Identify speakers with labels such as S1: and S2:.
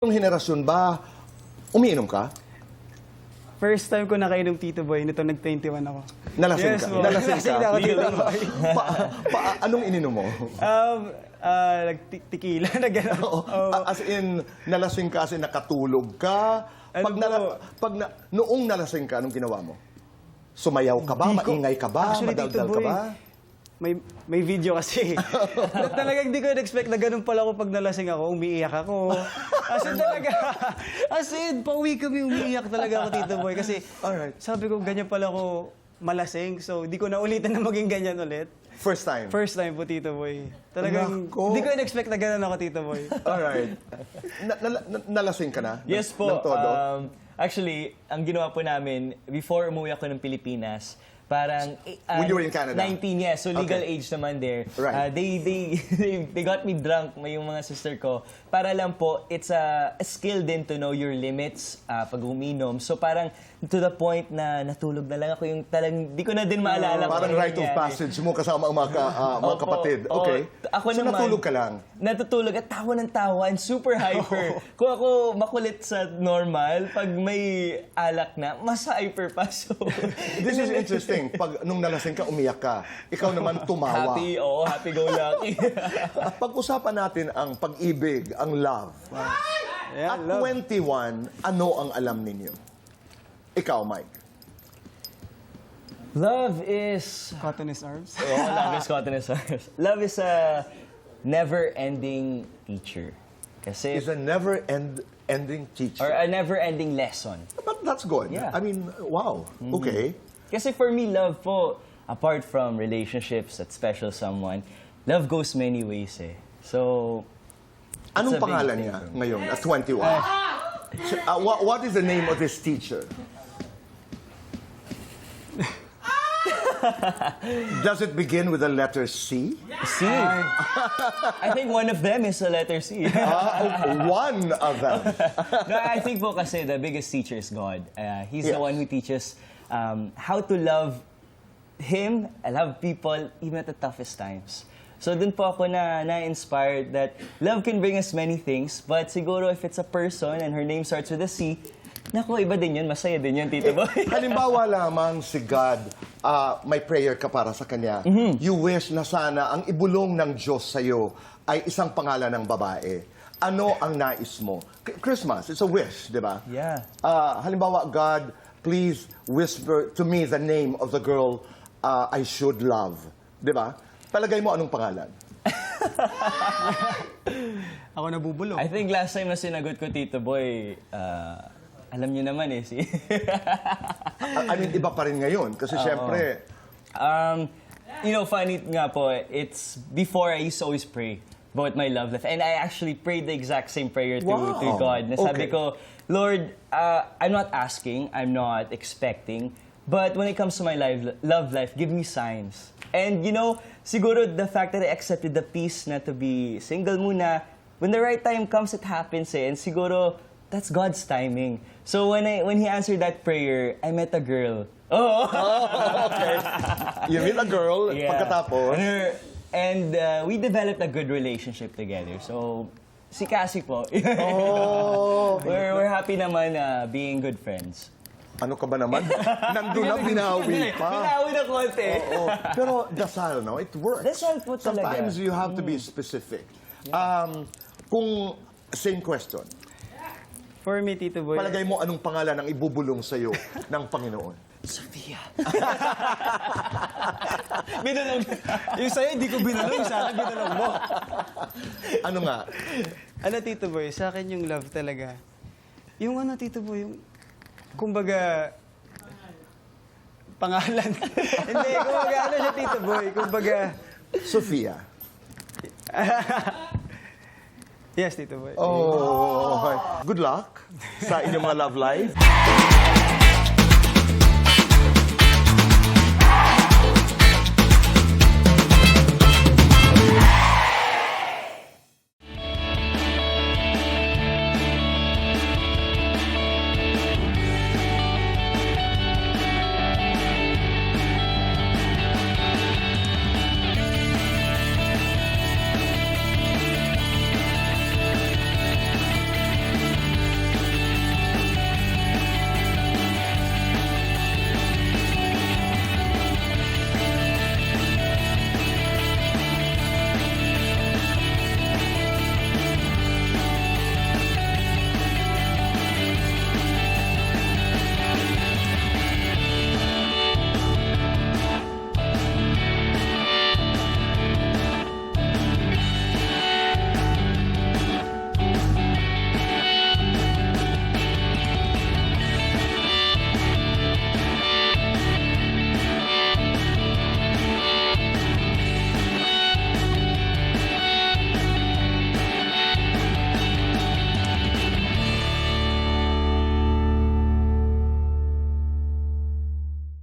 S1: Yung henerasyon ba, umiinom ka?
S2: First time ko nakainom Tito Boy, nito nag-21 ako.
S1: Nalasing
S2: Yes,
S1: ka?
S2: po.
S1: Nalasing
S2: Nalasing
S1: ka?
S2: na ako, Tito Boy.
S1: Anong ininom mo?
S2: Tequila na gano'n.
S1: As in, nalasing ka, as in nakatulog ka? Noong nalasing ka, anong ginawa mo? Sumayaw ka ba? Maingay ka ba?
S2: Actually, Tito
S1: Madaldal ka
S2: Boy,
S1: ba?
S2: may video kasi. Talagang hindi ko in-expect na ganun pala ako pag nalasing ako, umiiyak ako. As in talaga. As in, pauwi kami, umiiyak talaga ako, Tito Boy. Kasi
S1: Alright.
S2: sabi ko, ganyan pala ako malasing. So, di ko na ulitin na maging ganyan ulit.
S1: First time?
S2: First time po, Tito Boy. Talagang,
S1: Nako.
S2: hindi ko in-expect na ganun ako, Tito Boy.
S1: Alright. Nalasing ka na?
S3: Yes po.
S1: Ng todo?
S3: Actually, ang ginawa po namin, before umuwi ako ng Pilipinas, parang...
S1: When you were in Canada?
S3: 19, yes. So legal
S1: Okay.
S3: age naman there.
S1: Right.
S3: They got me drunk, yung mga sister ko. Para lang po, it's a skill din to know your limits pag uminom. So parang to the point na natulog na lang ako yung talagang di ko na din maalala. kung
S1: Parang
S3: ano
S1: rite of
S3: nangyari.
S1: passage mo kasama ang mga
S3: Opo.
S1: kapatid.
S3: Oo.
S1: Okay.
S3: Ako
S1: So
S3: naman,
S1: natulog ka lang?
S3: Natutulog at tawa ng tawa and super hyper. Kung ako makulit sa normal, pag may alak na, mas hyper pa. So,
S1: This is interesting. Pag nung nalasing ka, umiyak ka. Ikaw naman tumawa.
S3: happy, oo, happy go lucky.
S1: Pag-usapan natin ang pag-ibig, ang love.
S2: Yeah,
S1: At
S2: love.
S1: 21, ano ang alam ninyo? Ikaw, Mike.
S3: Love is...
S2: Cotton is arms.
S3: Oh, love is cotton is ours. Love is a never-ending teacher. Kasi...
S1: Is a never-ending teacher.
S3: Or a never-ending lesson.
S1: But that's good.
S3: Yeah.
S1: I mean, wow. Okay.
S3: Kasi for me, love po, apart from relationships at special someone, love goes many ways eh. So...
S1: Anong
S3: a big
S1: pangalan
S3: thing
S1: niya
S3: for me.
S1: ngayon at 21? What is the name of this teacher? Does it begin with the letter C?
S3: C. I think one of them is a letter C.
S1: One of them.
S3: No, I think po kasi the biggest teacher is God. He's the
S1: Yes.
S3: one who teaches how to love Him, love people, even at the toughest times. So dun po ako na-inspired that love can bring us many things, but siguro if it's a person and her name starts with a C, naku, iba din yun, masaya din yun, Tito Boy.
S1: Halimbawa lamang si God, may prayer ka para sa Kanya. You wish na sana ang ibulong ng Diyos sa'yo ay isang pangalan ng babae. Ano ang nais mo? Christmas, it's a wish, di ba?
S3: Yeah.
S1: Halimbawa, God, please whisper to me the name of the girl I should love. Di ba? Palagay mo anong pangalan?
S2: Ako nabubulong.
S3: I think last time na sinagot ko, Tito Boy, alam niyo naman eh, si...
S1: I mean, iba pa rin ngayon. Kasi syempre,
S3: You know, funny nga po, it's before I used to always pray about my love life. And I actually prayed the exact same prayer to
S1: Wow.
S3: God. Na sabi
S1: Okay.
S3: ko, Lord, I'm not asking, I'm not expecting, but when it comes to my love life, give me signs. And you know, siguro the fact that I accepted the peace na to be single muna, when the right time comes, it happens eh. And siguro, that's God's timing. So when He answered that prayer, I met a girl. Oh!
S1: okay. You meet a girl,
S3: Yeah.
S1: pagkatapos,
S3: And we developed a good relationship together. So, si Cassie po.
S1: oh,
S3: we're happy naman being good friends.
S1: ano ka ba naman? Nandun na, binawi pa.
S3: Binawi na konti.
S1: Oo. Pero dasal, no? It works.
S3: Dasal po talaga.
S1: Sometimes you have to be specific. Kung, same question,
S2: For me, Tito Boy,
S1: palagay mo anong pangalan ang ibubulong sa'yo ng Panginoon?
S3: Sophia.
S2: binulong. Yung sa'yo, hindi ko binulong. Sa akin, binulong mo.
S1: Ano nga?
S2: Ano, Tito Boy, sa akin yung love talaga. Yung ano, Tito Boy, yung, kumbaga, pangalan. Hindi, kumbaga, ano siya, Tito Boy, kumbaga,
S1: Sofia.
S2: yes, Tito Boy.
S1: Oh, okay. Good luck sa inyong mga love life.